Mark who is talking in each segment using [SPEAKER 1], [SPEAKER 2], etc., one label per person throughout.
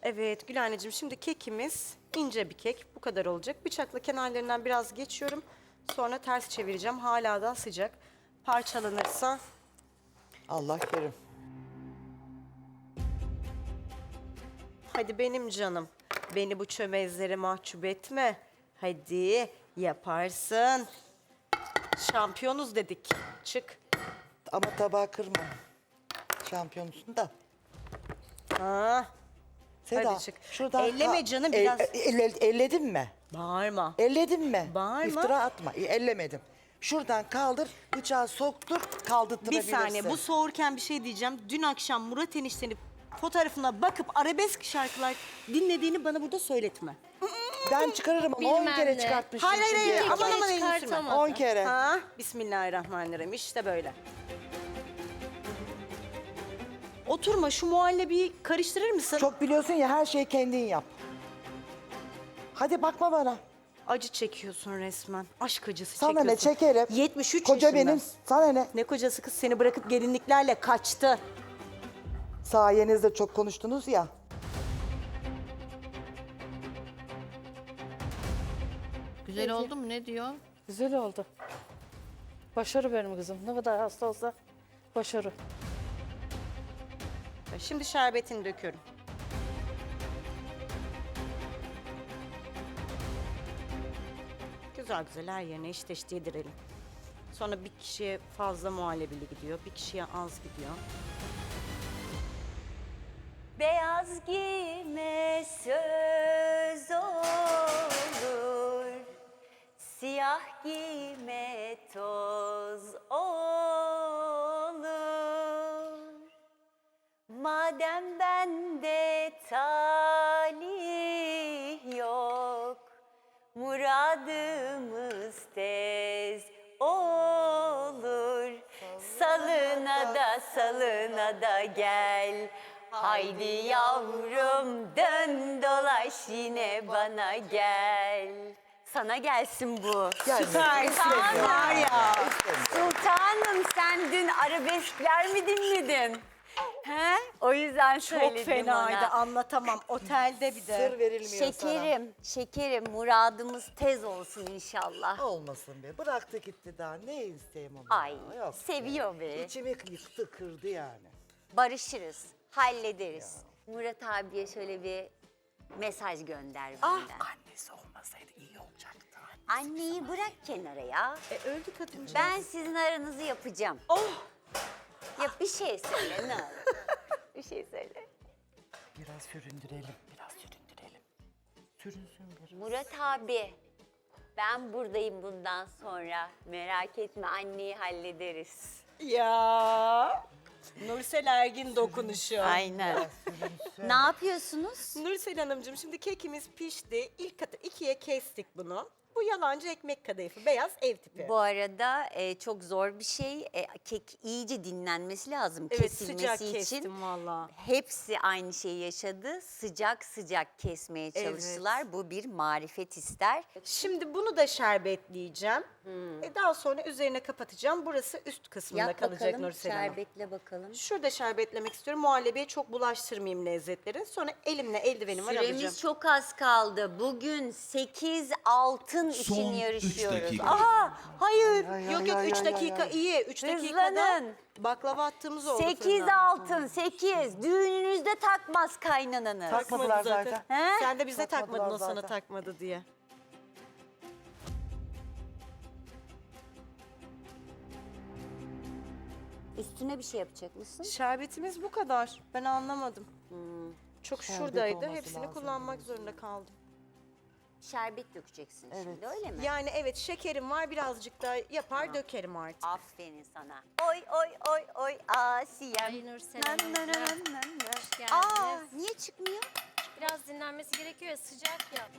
[SPEAKER 1] Evet Gül anneciğim, şimdi kekimiz ince bir kek. Bu kadar olacak. Bıçakla kenarlarından biraz geçiyorum. Sonra ters çevireceğim. Hala da sıcak. Parçalanırsa
[SPEAKER 2] Allah kerim.
[SPEAKER 1] hadi benim canım. Beni bu çömezlere mahcup etme. Hadi yaparsın. Şampiyonuz dedik. Çık.
[SPEAKER 2] Ama tabağı kırma. Şampiyonsun da.
[SPEAKER 1] Ha,
[SPEAKER 2] Seda,
[SPEAKER 1] hadi çık.
[SPEAKER 2] şuradan
[SPEAKER 1] Elleme canım biraz.
[SPEAKER 2] Elledin mi?
[SPEAKER 1] Bağırma.
[SPEAKER 2] Elledin mi?
[SPEAKER 1] Bağırma.
[SPEAKER 2] İftira atma. Ellemedim. Şuradan kaldır, bıçağı soktur,
[SPEAKER 1] Bir
[SPEAKER 2] kaldırtırabilirsin.
[SPEAKER 1] saniye, bu soğurken bir şey diyeceğim. Dün akşam Murat eniştenin fotoğrafına bakıp arabesk şarkılar dinlediğini bana burada söyletme.
[SPEAKER 2] Ben çıkarırım ama 10
[SPEAKER 3] Bilmem
[SPEAKER 2] kere
[SPEAKER 3] ne.
[SPEAKER 2] çıkartmıştım.
[SPEAKER 1] Hayır, hayır, hayır.
[SPEAKER 2] şimdiye
[SPEAKER 1] Aman
[SPEAKER 2] kadar.
[SPEAKER 1] aman elini sürme.
[SPEAKER 3] Çıkartamadı.
[SPEAKER 2] 10 kere.
[SPEAKER 1] Ha, Bismillahirrahmanirrahim. İşte böyle. Oturma, şu muhallebiyi karıştırır mısın?
[SPEAKER 2] Çok biliyorsun ya, her şeyi kendin yap. Hadi bakma bana.
[SPEAKER 1] Acı çekiyorsun resmen. Aşk acısı
[SPEAKER 2] Sana
[SPEAKER 1] çekiyorsun.
[SPEAKER 2] ne çekerim.
[SPEAKER 1] 73
[SPEAKER 2] Koca
[SPEAKER 1] yaşında.
[SPEAKER 2] benim, sana ne?
[SPEAKER 1] Ne kocası kız, seni bırakıp gelinliklerle kaçtı.
[SPEAKER 2] Sayenizde çok konuştunuz ya.
[SPEAKER 3] Güzel oldu mu? Ne diyor?
[SPEAKER 4] Güzel oldu. Başarı benim kızım. Ne kadar hasta olsa başarı.
[SPEAKER 1] Şimdi şerbetini döküyorum. Güzel güzel her yerine eşit eşit yedirelim. Sonra bir kişiye fazla muhallebili gidiyor, bir kişiye az gidiyor.
[SPEAKER 5] Beyaz giyme söz olur, siyah giyme toz olur. Madem bende talih yok, muradımız tez olur. Salına da gel. Haydi yavrum dön dolaş yine bana gel. Sana gelsin bu.
[SPEAKER 1] Süpersin var ya.
[SPEAKER 5] Sultanım sen dün arabeskler mi dinledin? He? O yüzden
[SPEAKER 1] Çok
[SPEAKER 5] söyledim
[SPEAKER 1] fenaydı,
[SPEAKER 5] ona.
[SPEAKER 1] anlatamam. Otelde bir de.
[SPEAKER 2] Sır verilmiyor
[SPEAKER 5] Şekerim muradımız tez olsun inşallah.
[SPEAKER 2] sana. Olmasın be. Bıraktı gitti daha. Ne isteyeyim onu?
[SPEAKER 5] Ay
[SPEAKER 2] Yok.
[SPEAKER 5] seviyor be.
[SPEAKER 2] İçimi yıktı, kırdı yani.
[SPEAKER 5] Barışırız, hallederiz. Murat abiye şöyle bir mesaj gönder benden.
[SPEAKER 2] Annesi olmasaydı iyi olacaktı.
[SPEAKER 5] Anneyi bırak kenara ya.
[SPEAKER 1] Öldü kadıncağız.
[SPEAKER 5] Ben sizin aranızı yapacağım.
[SPEAKER 1] Oh!
[SPEAKER 5] Ya bir şey söyle ne olur. Bir şey söyle.
[SPEAKER 2] Biraz süründürelim, biraz süründürelim. Sürünsün biraz.
[SPEAKER 5] Murat abi, ben buradayım bundan sonra. Merak etme anneyi hallederiz.
[SPEAKER 1] Ya. Nursel Ergin dokunuşu.
[SPEAKER 5] Aynen. Ne yapıyorsunuz?
[SPEAKER 1] Nursel Hanımcığım, şimdi kekimiz pişti. İlk katı ikiye kestik bunu. Bu yalancı ekmek kadayıfı, beyaz ev tipi.
[SPEAKER 5] Bu arada çok zor bir şey. Kek iyice dinlenmesi lazım
[SPEAKER 1] Evet,
[SPEAKER 5] kesilmesi
[SPEAKER 1] sıcak
[SPEAKER 5] için.
[SPEAKER 1] kestim valla.
[SPEAKER 5] Hepsi aynı şeyi yaşadı. Sıcak sıcak kesmeye çalıştılar. Bu bir marifet ister.
[SPEAKER 1] Şimdi bunu da şerbetleyeceğim. Daha sonra üzerine kapatacağım. Burası üst kısmında
[SPEAKER 5] Yap
[SPEAKER 1] kalacak
[SPEAKER 5] bakalım,
[SPEAKER 1] Nursel Hanım.
[SPEAKER 5] şerbetle bakalım.
[SPEAKER 1] Şurada şerbetlemek istiyorum. Muhallebiye çok bulaştırmayayım lezzetleri. Sonra elimle eldivenim var alacağım.
[SPEAKER 5] Süremiz çok az kaldı. Bugün 8 altın için
[SPEAKER 6] Son üç
[SPEAKER 5] yarışıyoruz.
[SPEAKER 6] dakika.
[SPEAKER 5] Aha, hayır.
[SPEAKER 1] Yok yok 3 dakika iyi. 3 dakikada
[SPEAKER 5] Hızlanın.
[SPEAKER 1] baklava attığımız oldu.
[SPEAKER 5] 8
[SPEAKER 1] fırına.
[SPEAKER 5] altın, 8. Düğününüzde takmaz kaynananız.
[SPEAKER 2] Takmadılar zaten.
[SPEAKER 5] He?
[SPEAKER 1] Sen de bize
[SPEAKER 2] Takmadılar
[SPEAKER 1] takmadın, o sana
[SPEAKER 2] zaten.
[SPEAKER 1] takmadı diye.
[SPEAKER 5] Üstüne bir şey yapacak mısın?
[SPEAKER 1] Şerbetimiz bu kadar. Ben anlamadım. Çok
[SPEAKER 2] Şerbet
[SPEAKER 1] şuradaydı.
[SPEAKER 2] olması
[SPEAKER 1] Hepsini
[SPEAKER 2] lazım
[SPEAKER 1] kullanmak zorunda kaldım.
[SPEAKER 5] Şerbet dökeceksin şimdi öyle mi?
[SPEAKER 1] Yani evet, şekerim var, birazcık daha yapar dökerim artık.
[SPEAKER 5] Aferin sana. Oy oy oy oy Asiyem.
[SPEAKER 3] Ay Nursel
[SPEAKER 5] Nan
[SPEAKER 3] Hanım,
[SPEAKER 5] nan nan
[SPEAKER 3] biraz
[SPEAKER 5] nan nan.
[SPEAKER 3] hoş geldiniz.
[SPEAKER 5] Aa niye çıkmıyor?
[SPEAKER 3] Biraz dinlenmesi gerekiyor ya, sıcak ya.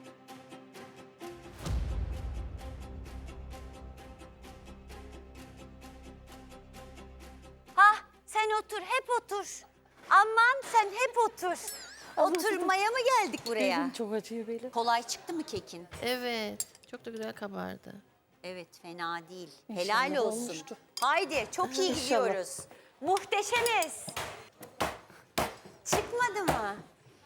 [SPEAKER 5] Hah sen otur hep otur. Aman sen hep otur. Oturmaya mı geldik buraya?
[SPEAKER 4] Belim çok acıyor belim.
[SPEAKER 5] Kolay çıktı mı kekin?
[SPEAKER 3] Evet. Çok da güzel kabardı.
[SPEAKER 5] Evet fena değil.
[SPEAKER 4] İnşallah
[SPEAKER 5] Helal olsun.
[SPEAKER 4] olmuştur.
[SPEAKER 5] Haydi çok iyi
[SPEAKER 4] İnşallah.
[SPEAKER 5] gidiyoruz. Muhteşemiz. Çıkmadı mı?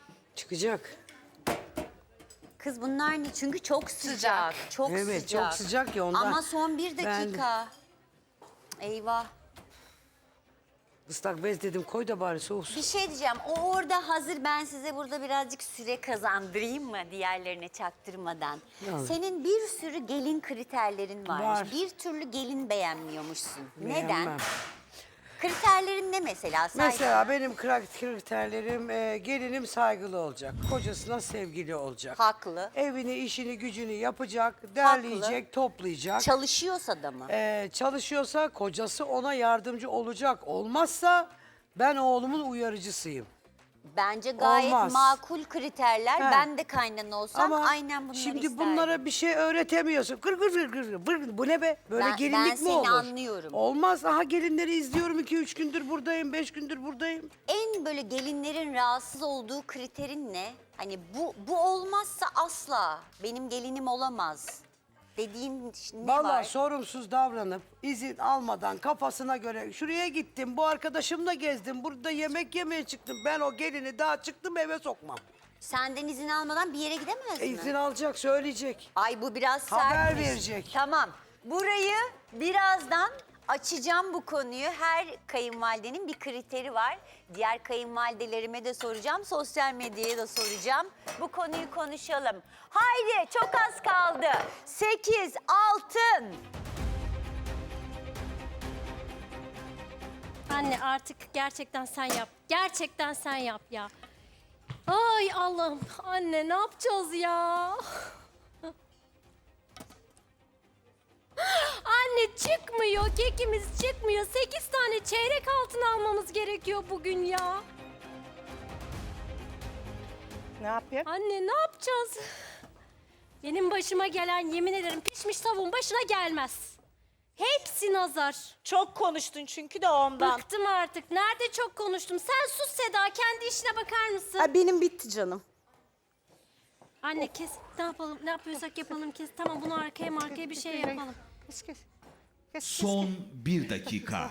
[SPEAKER 6] Çıkacak.
[SPEAKER 5] Kız bunlar ne? Çünkü çok sıcak. Çok
[SPEAKER 6] Evet,
[SPEAKER 5] sıcak.
[SPEAKER 6] çok sıcak ya ondan.
[SPEAKER 5] Ama son bir
[SPEAKER 6] Ben-
[SPEAKER 5] dakika. Eyvah.
[SPEAKER 6] Islak bez dedim koy da bari soğusun.
[SPEAKER 5] Bir şey diyeceğim. O orada hazır, ben size burada birazcık süre kazandırayım mı diğerlerine çaktırmadan?
[SPEAKER 6] Yani.
[SPEAKER 5] Senin bir sürü gelin kriterlerin varmış.
[SPEAKER 6] Var.
[SPEAKER 5] Bir türlü gelin beğenmiyormuşsun. Neden?
[SPEAKER 6] Beğenmem.
[SPEAKER 5] Kriterlerin ne mesela?
[SPEAKER 6] Mesela benim kriterlerim gelinim saygılı olacak. Kocasına sevgili olacak.
[SPEAKER 5] Haklı.
[SPEAKER 6] Evini, işini, gücünü yapacak, derleyecek, toplayacak.
[SPEAKER 5] Çalışıyorsa da mı?
[SPEAKER 6] Çalışıyorsa kocası ona yardımcı olacak. Olmazsa ben oğlumun uyarıcısıyım.
[SPEAKER 5] Bence gayet
[SPEAKER 6] Olmaz.
[SPEAKER 5] makul kriterler.
[SPEAKER 6] He.
[SPEAKER 5] Ben de kaynana olsam
[SPEAKER 6] Ama
[SPEAKER 5] aynen bunları
[SPEAKER 6] şimdi
[SPEAKER 5] isterdim.
[SPEAKER 6] bunlara bir şey öğretemiyorsun. Gır gır gır gır gır. Bu ne be? Böyle
[SPEAKER 5] Ben
[SPEAKER 6] gelinlik mi
[SPEAKER 5] seni
[SPEAKER 6] olur?
[SPEAKER 5] anlıyorum.
[SPEAKER 6] Olmaz. Aha gelinleri izliyorum. 2-3 gündür buradayım. 5 gündür buradayım.
[SPEAKER 5] En böyle gelinlerin rahatsız olduğu kriterin ne? Hani bu olmazsa asla benim gelinim olamaz dediğin ne
[SPEAKER 6] Vallahi
[SPEAKER 5] var?
[SPEAKER 6] sorumsuz davranıp izin almadan kafasına göre şuraya gittim. Bu arkadaşımla gezdim. Burada yemek yemeye çıktım. Ben o gelini daha çıktım eve sokmam.
[SPEAKER 5] Senden izin almadan bir yere gidemez mi?
[SPEAKER 6] İzin alacak, söyleyecek.
[SPEAKER 5] Ay bu biraz
[SPEAKER 6] Haber
[SPEAKER 5] sertmiş.
[SPEAKER 6] verecek.
[SPEAKER 5] Tamam. Burayı birazdan açacağım bu konuyu. Her kayınvalidenin bir kriteri var. Diğer kayınvalidelerime de soracağım. Sosyal medyaya da soracağım. Bu konuyu konuşalım. Haydi çok az kaldı. 8 altın.
[SPEAKER 7] Anne artık gerçekten sen yap. Gerçekten sen yap ya. Ay Allah'ım. Anne ne yapacağız ya? Anne çıkmıyor. Kekimiz çıkmıyor. 8 tane çeyrek altın almamız gerekiyor bugün ya.
[SPEAKER 4] Ne yapayım?
[SPEAKER 7] Anne ne yapacağız? Benim başıma gelen yemin ederim pişmiş tavuğun başına gelmez. Hepsi nazar.
[SPEAKER 1] Çok konuştun çünkü de ondan.
[SPEAKER 7] Bıktım artık. Nerede çok konuştum. Sen sus Seda. Kendi işine bakar mısın?
[SPEAKER 1] Ha, benim bitti canım.
[SPEAKER 7] Anne kes. Ne yapalım? Ne yapıyorsak yapalım kes. Tamam bunu arkaya bir şey yapalım.
[SPEAKER 8] Son 1 dakika.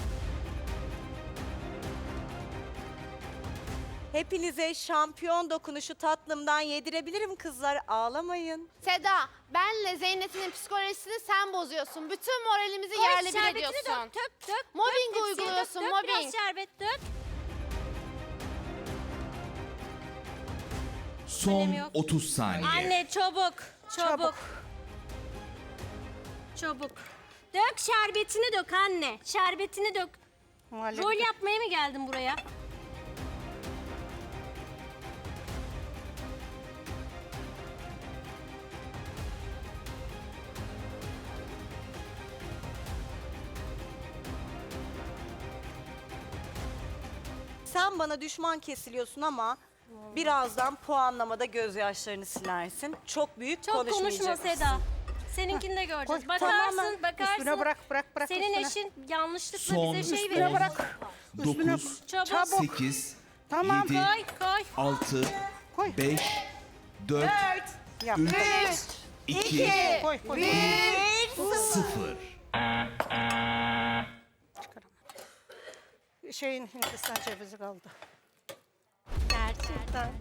[SPEAKER 1] Hepinize şampiyon dokunuşu tatlımdan yedirebilirim kızlar. Ağlamayın.
[SPEAKER 9] Seda, benle Zeynep'in psikolojisini sen bozuyorsun. Bütün moralimizi yerle bir
[SPEAKER 7] şerbetini
[SPEAKER 9] ediyorsun.
[SPEAKER 7] dök.
[SPEAKER 9] Mobbing
[SPEAKER 7] Hepsini
[SPEAKER 9] uyguluyorsun,
[SPEAKER 7] dök,
[SPEAKER 9] mobbing.
[SPEAKER 7] Biraz şerbet dök.
[SPEAKER 8] Son
[SPEAKER 7] Önemi yok.
[SPEAKER 8] 30 saniye.
[SPEAKER 7] Anne çabuk. Çabuk. Dök şerbetini dök anne. Şerbetini dök. Rol yapmaya mı geldin buraya?
[SPEAKER 1] Sen bana düşman kesiliyorsun ama birazdan puanlamada gözyaşlarını silersin. Çok büyük
[SPEAKER 7] Çok konuşma
[SPEAKER 1] konuşmayacaksın.
[SPEAKER 7] Seda. Seninkini de göreceğiz. Bakarsın.
[SPEAKER 4] Üstüne bırak.
[SPEAKER 7] Senin
[SPEAKER 4] üstüne.
[SPEAKER 7] eşin yanlışlıkla
[SPEAKER 8] Son
[SPEAKER 7] bize şey
[SPEAKER 8] 10,
[SPEAKER 7] verir.
[SPEAKER 8] 9,
[SPEAKER 7] Çabuk.
[SPEAKER 8] 8,
[SPEAKER 4] Tamam.
[SPEAKER 8] 7,
[SPEAKER 7] Koy koy.
[SPEAKER 8] 6,
[SPEAKER 4] Koy.
[SPEAKER 8] 5, 4,
[SPEAKER 4] Yap.
[SPEAKER 8] 3, 2,
[SPEAKER 4] Koy.
[SPEAKER 8] 0.
[SPEAKER 4] Şeyin Hindistan cevizi kaldı.
[SPEAKER 7] Gerçekten.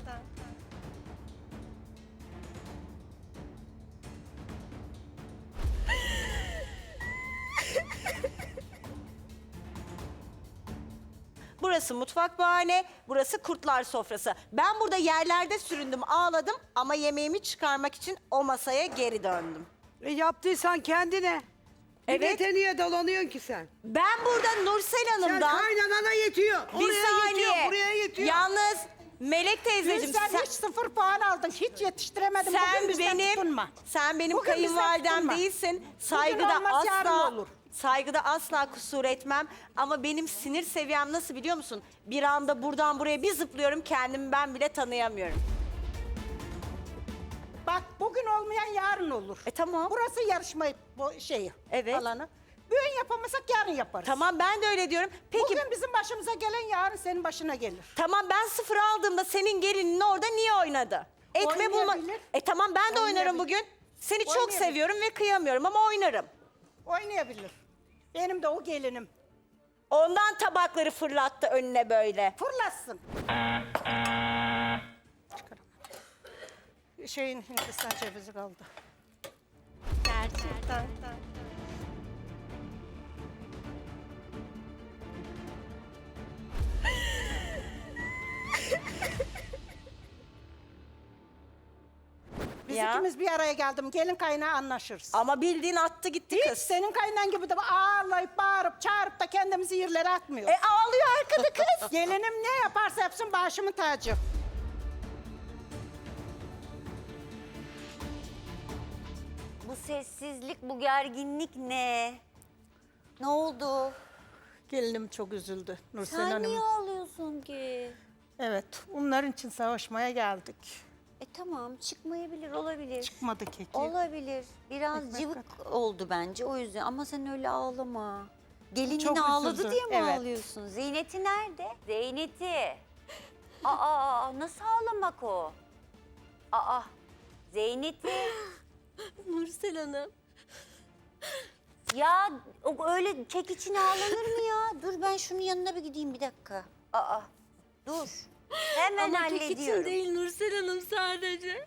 [SPEAKER 1] Burası mutfak bahane, burası kurtlar sofrası. Ben burada yerlerde süründüm, ağladım ama yemeğimi çıkarmak için o masaya geri döndüm.
[SPEAKER 6] Yaptıysan kendine.
[SPEAKER 1] Evet.
[SPEAKER 6] Evet. Niye dolanıyorsun ki sen?
[SPEAKER 1] Ben burada Nursel
[SPEAKER 6] Sen
[SPEAKER 1] Hanım'dan
[SPEAKER 6] kaynanana yetiyor.
[SPEAKER 1] bir
[SPEAKER 6] Oraya
[SPEAKER 1] saniye,
[SPEAKER 6] yetiyor, buraya yetiyor.
[SPEAKER 1] yalnız Melek teyzeciğim
[SPEAKER 4] Sen hiç 0 puan aldın. Hiç yetiştiremedin.
[SPEAKER 1] sen
[SPEAKER 4] Bugün bizden
[SPEAKER 1] benim
[SPEAKER 4] tutunma.
[SPEAKER 1] sen benim
[SPEAKER 4] Bugün bizden
[SPEAKER 1] kayınvalidem
[SPEAKER 4] tutunma.
[SPEAKER 1] değilsin. Saygıda
[SPEAKER 4] olmaz, yarın
[SPEAKER 1] asla
[SPEAKER 4] olur.
[SPEAKER 1] saygıda asla kusur etmem ama benim sinir seviyem nasıl biliyor musun? Bir anda buradan buraya bir zıplıyorum, kendimi ben bile tanıyamıyorum.
[SPEAKER 4] Bak bugün olmayan yarın olur.
[SPEAKER 1] Tamam.
[SPEAKER 4] Burası yarışma şeyi.
[SPEAKER 1] Evet.
[SPEAKER 4] Alanı. Bugün yapamasak yarın yaparız.
[SPEAKER 1] Tamam, ben de öyle diyorum. Peki
[SPEAKER 4] Bugün bizim başımıza gelen yarın senin başına gelir.
[SPEAKER 1] tamam, ben 0 aldığımda senin gelinin orada niye oynadı? Etme bulma.
[SPEAKER 4] Oynayabilir.
[SPEAKER 1] Tamam, ben de oynarım
[SPEAKER 4] Oynayabilir.
[SPEAKER 1] bugün. Seni çok
[SPEAKER 4] Oynayabilir.
[SPEAKER 1] seviyorum ve kıyamıyorum ama oynarım.
[SPEAKER 4] Oynayabilir. Benim de o gelinim.
[SPEAKER 1] Ondan tabakları fırlattı önüne böyle.
[SPEAKER 4] Fırlatsın. şeyin Hindistan cevizi kaldı.
[SPEAKER 7] Gerçekten.
[SPEAKER 4] Biz
[SPEAKER 1] Ya.
[SPEAKER 4] ikimiz bir araya geldim. Gelin kaynağı anlaşırız.
[SPEAKER 1] Ama bildiğin attı gitti
[SPEAKER 4] Hiç
[SPEAKER 1] kız.
[SPEAKER 4] senin kaynan gibi de ağlayıp bağırıp çağırıp da kendimizi yerlere atmıyor.
[SPEAKER 1] Ağlıyor arkada kız.
[SPEAKER 4] Gelinim ne yaparsa yapsın başımın tacı.
[SPEAKER 5] Bu sessizlik, bu gerginlik ne? Ne oldu?
[SPEAKER 4] Gelinim çok üzüldü Nursel
[SPEAKER 5] Sen
[SPEAKER 4] Hanım.
[SPEAKER 5] niye ağlıyorsun ki?
[SPEAKER 4] Evet, onların için savaşmaya geldik.
[SPEAKER 5] Tamam, çıkmayabilir, olabilir.
[SPEAKER 4] Çıkmadı keki.
[SPEAKER 5] Olabilir. Biraz
[SPEAKER 4] Ekmek
[SPEAKER 5] cıvık oldu bence o yüzden ama sen öyle ağlama. Gelinin
[SPEAKER 4] Çok
[SPEAKER 5] ağladı
[SPEAKER 4] üzüldü,
[SPEAKER 5] diye mi
[SPEAKER 4] evet.
[SPEAKER 5] ağlıyorsun? Zeynet'i nerede? Zeynet'i. Aa, nasıl ağlamak o? Aa, Zeynet'i.
[SPEAKER 7] Nursel Hanım.
[SPEAKER 5] Ya öyle kek için ağlanır mı ya? Dur ben şunun yanına bir gideyim bir dakika. Aa, dur. Hemen
[SPEAKER 7] Ama kek için
[SPEAKER 5] hallediyorum.
[SPEAKER 7] değil Nursel Hanım sadece.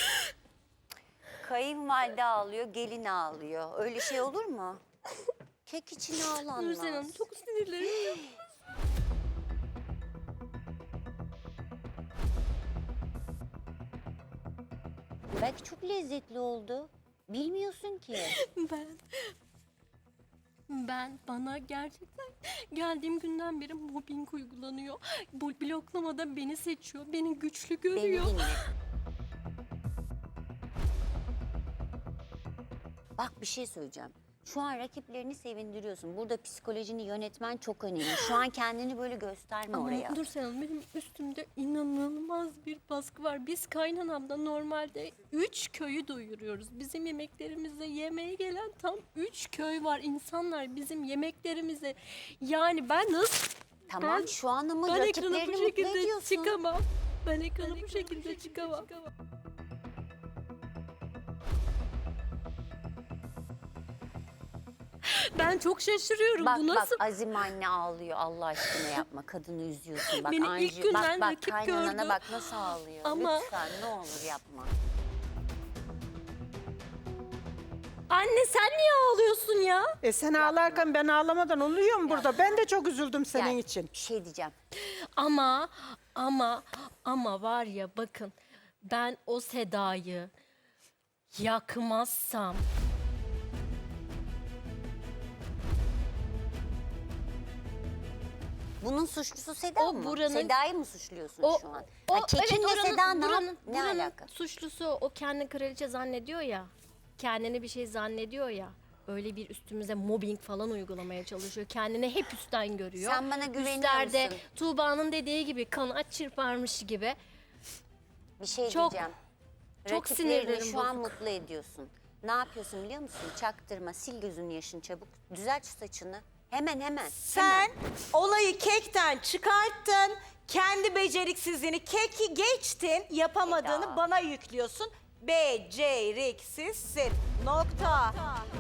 [SPEAKER 5] Kayınvalide ağlıyor, gelin ağlıyor. Öyle şey olur mu? Kek için ağlanmaz.
[SPEAKER 7] Nursel Hanım çok sinirlerim.
[SPEAKER 5] Belki çok lezzetli oldu. Bilmiyorsun ki.
[SPEAKER 7] Ben bana gerçekten geldiğim günden beri mobbing uygulanıyor. Bu bloklamada beni seçiyor, beni güçlü
[SPEAKER 5] Beni
[SPEAKER 7] görüyor.
[SPEAKER 5] dinle. Bak bir şey söyleyeceğim. Şu an rakiplerini sevindiriyorsun. Burada psikolojini yönetmen çok önemli. Şu an kendini böyle gösterme
[SPEAKER 7] Ama
[SPEAKER 5] oraya.
[SPEAKER 7] Nursel Hanım benim üstümde inanılmaz bir baskı var. Biz kaynanamda normalde 3 köyü doyuruyoruz. Bizim yemeklerimize yemeğe gelen tam 3 köy var. İnsanlar bizim yemeklerimize yani ben nasıl
[SPEAKER 5] Tamam
[SPEAKER 7] Ben-
[SPEAKER 5] şu an ama
[SPEAKER 7] ben ekrana
[SPEAKER 5] rakiplerini
[SPEAKER 7] bu
[SPEAKER 5] mutlu
[SPEAKER 7] şekilde
[SPEAKER 5] ediyorsun.
[SPEAKER 7] çıkamam. Ben ekrana bu şekilde çıkamam. Ben çok şaşırıyorum.
[SPEAKER 5] Bak
[SPEAKER 7] Bu nasıl?
[SPEAKER 5] bak Azim anne ağlıyor Allah aşkına yapma kadını üzüyorsun. Bak
[SPEAKER 7] Beni ilk
[SPEAKER 5] Anju,
[SPEAKER 7] günden
[SPEAKER 5] bak
[SPEAKER 7] rakip
[SPEAKER 5] kaynanana
[SPEAKER 7] gördü.
[SPEAKER 5] bak nasıl ağlıyor.
[SPEAKER 7] Ama-
[SPEAKER 5] Lütfen ne olur yapma.
[SPEAKER 7] Anne sen niye ağlıyorsun ya?
[SPEAKER 4] Sen ağlarken ben ağlamadan oluyor mu burada? Ben de çok üzüldüm senin
[SPEAKER 5] Gel,
[SPEAKER 4] için.
[SPEAKER 5] Bir şey diyeceğim.
[SPEAKER 7] Ama var ya bakın ben o Seda'yı yakmazsam
[SPEAKER 5] Bunun suçlusu Seda
[SPEAKER 7] O
[SPEAKER 5] mı?
[SPEAKER 7] buranın-
[SPEAKER 5] Seda'yı mı suçluyorsun
[SPEAKER 7] o
[SPEAKER 5] şu an?
[SPEAKER 7] o
[SPEAKER 5] Ha, kekinle
[SPEAKER 7] evet,
[SPEAKER 5] Seda ne,
[SPEAKER 7] buranın
[SPEAKER 5] ne alaka?
[SPEAKER 7] suçlusu o kendini kraliçe zannediyor ya. Kendini bir şey zannediyor ya. Öyle bir üstümüze mobbing falan uygulamaya çalışıyor. Kendini hep üstten görüyor.
[SPEAKER 5] Sen bana güveniyor
[SPEAKER 7] Üstlerde
[SPEAKER 5] musun?
[SPEAKER 7] Tuğba'nın dediği gibi kanat çırparmış gibi.
[SPEAKER 5] Bir şey
[SPEAKER 7] Çok-
[SPEAKER 5] diyeceğim.
[SPEAKER 7] çok
[SPEAKER 5] Rakiplerini
[SPEAKER 7] sinirlerim
[SPEAKER 5] şu an
[SPEAKER 7] bozuk.
[SPEAKER 5] mutlu ediyorsun. Ne yapıyorsun biliyor musun? Çaktırma, sil gözünün yaşını çabuk. Düzelt şu saçını. Hemen.
[SPEAKER 1] Sen olayı kekten çıkarttın. Kendi beceriksizliğini, keki geçtin. Yapamadığını
[SPEAKER 5] Eda.
[SPEAKER 1] bana yüklüyorsun. Beceriksizsin. Nokta.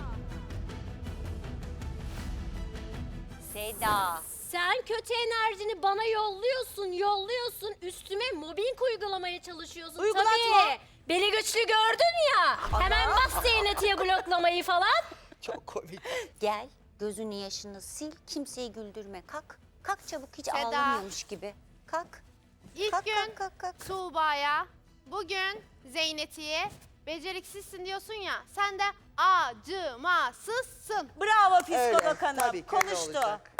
[SPEAKER 5] Seda.
[SPEAKER 7] Sen kötü enerjini bana yolluyorsun. Üstüme mobbing uygulamaya çalışıyorsun.
[SPEAKER 1] Uygulatma.
[SPEAKER 7] Tabii. Beni güçlü gördün ya. Hemen bas Zeynet'e bloklamayı falan.
[SPEAKER 2] Çok komik.
[SPEAKER 5] Gel, gözünün yaşını sil, kimseyi güldürme. Kalk. Kalk çabuk, hiç
[SPEAKER 9] Seda.
[SPEAKER 5] ağlamıyormuş gibi. Kalk.
[SPEAKER 9] İlk
[SPEAKER 5] Kalk,
[SPEAKER 9] gün
[SPEAKER 5] kalk.
[SPEAKER 9] Tuğba'ya, bugün Zeynet'iye beceriksizsin diyorsun ya. Sen de acımasızsın.
[SPEAKER 1] Bravo psikolog
[SPEAKER 2] Öyle,
[SPEAKER 1] hanım.
[SPEAKER 2] tabii ki öyle
[SPEAKER 1] Konuştu.
[SPEAKER 2] olacak.